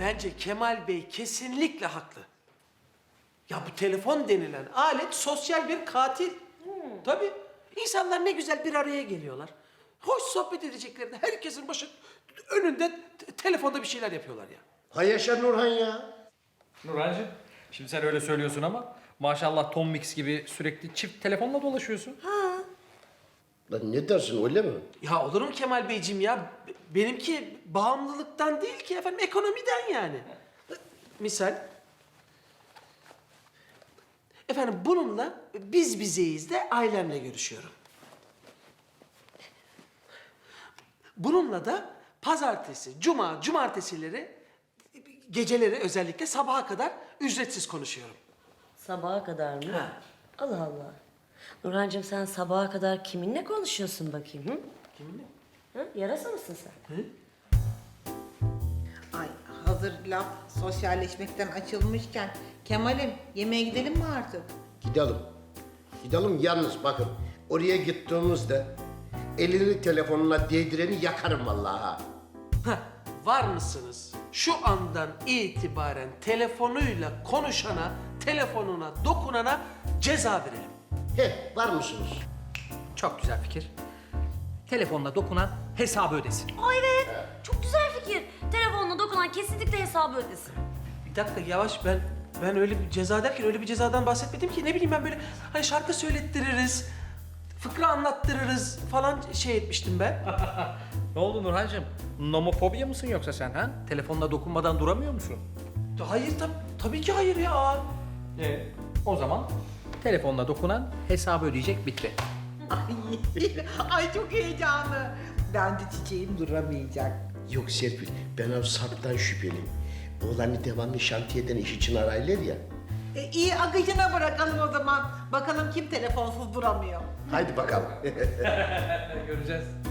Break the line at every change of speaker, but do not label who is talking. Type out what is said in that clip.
bence Kemal Bey kesinlikle haklı. Ya bu telefon denilen alet sosyal bir katil. Tabii. İnsanlar ne güzel bir araya geliyorlar. Hoş sohbet edeceklerinde herkesin başı önünde telefonda bir şeyler yapıyorlar ya.
Hay yaşa Nurhan ya.
Nurhancığım, şimdi sen öyle söylüyorsun ama maşallah Tom Mix gibi sürekli çift telefonla dolaşıyorsun.
Lan ne dersin öyle mi?
Ya olur mu Kemal Beyciğim ya? Benimki bağımlılıktan değil ki efendim, ekonomiden yani. Misal. Efendim bununla biz bizeyiz de ailemle görüşüyorum. Bununla da pazartesi, cuma, cumartesileri, geceleri özellikle sabaha kadar ücretsiz konuşuyorum.
Sabaha kadar mı?
Ha.
Allah Allah. Nurhancığım sen sabaha kadar kiminle konuşuyorsun bakayım? Hı?
Kiminle?
Hı? Yarasa mısın sen?
Ay hazır laf sosyalleşmekten açılmışken Kemal'im yemeğe gidelim mi artık?
Gidelim. Gidelim yalnız bakın. Oraya gittiğimizde elini telefonuna değdireni yakarım vallahi ha.
Heh, var mısınız? Şu andan itibaren telefonuyla konuşana, telefonuna dokunana ceza verelim.
He, var mısınız?
Çok güzel fikir. Telefonla dokunan hesabı ödesin.
Ay evet. Çok güzel fikir. Telefonuna dokunan kesinlikle hesabı ödesin.
Bir dakika yavaş, ben öyle bir ceza derken öyle bir cezadan bahsetmedim ki. Ne bileyim ben böyle hani şarkı söylettiririz, fıkra anlattırırız falan şey etmiştim ben.
Ne oldu Nurhancığım? Nomofobiya mısın yoksa sen ha? Telefonla dokunmadan duramıyor musun?
Hayır tabii ki hayır ya.
O zaman telefonla dokunan hesabı ödeyecek, bitti.
Ay çok heyecanlı. Ben de çiçeğim duramayacak.
Yok Serpil, ben o Sarp'tan şüpheliyim. Oğlanı devamlı şantiyeden iş için araylar ya.
İyi akışına bırakalım o zaman. Bakalım kim telefonsuz duramıyor.
Haydi bakalım.
Göreceğiz.